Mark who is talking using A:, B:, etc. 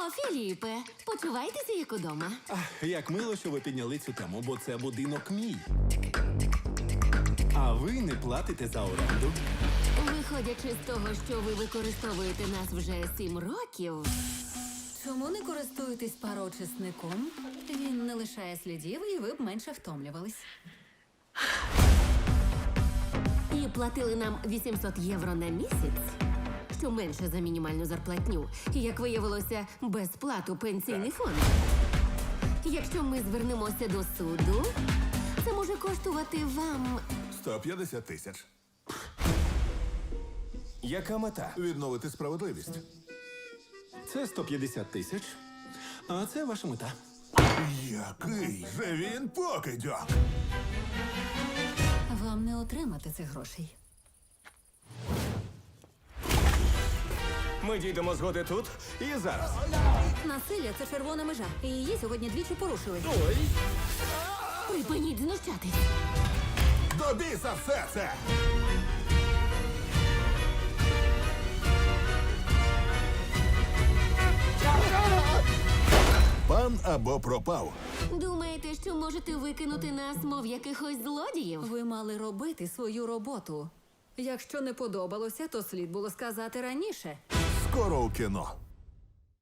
A: О, Філіпе, почувайтеся як удома.
B: Як мило, що ви підняли цю тему, бо це будинок мій. А ви не платите за оренду.
A: Виходячи з того, що ви використовуєте нас вже 7 років,
C: Чому не користуєтесь пароочисником? Він не лишає слідів, і ви б менше втомлювались.
A: і платили нам 800 євро на місяць, що менше за мінімальну зарплатню, і, як виявилося, безплату пенсійний фонд. Якщо ми звернемося до суду, це може коштувати вам
D: 150 тисяч.
E: Яка мета?
D: Відновити справедливість.
B: Це 150 тисяч. А це ваша мета.
D: Який же він покидьок!
C: Вам не отримати цих грошей.
E: Ми дійдемо згоди тут і зараз.
C: Насилля – це червона межа, і її сьогодні двічі порушили.
A: припиніть знущатись.
D: До біса все це! Пан або пропав.
A: Думаєте, що можете викинути нас, мов якихось злодіїв?
C: Ви мали робити свою роботу. Якщо не подобалося, то слід було сказати раніше.
D: Скоро у кіно.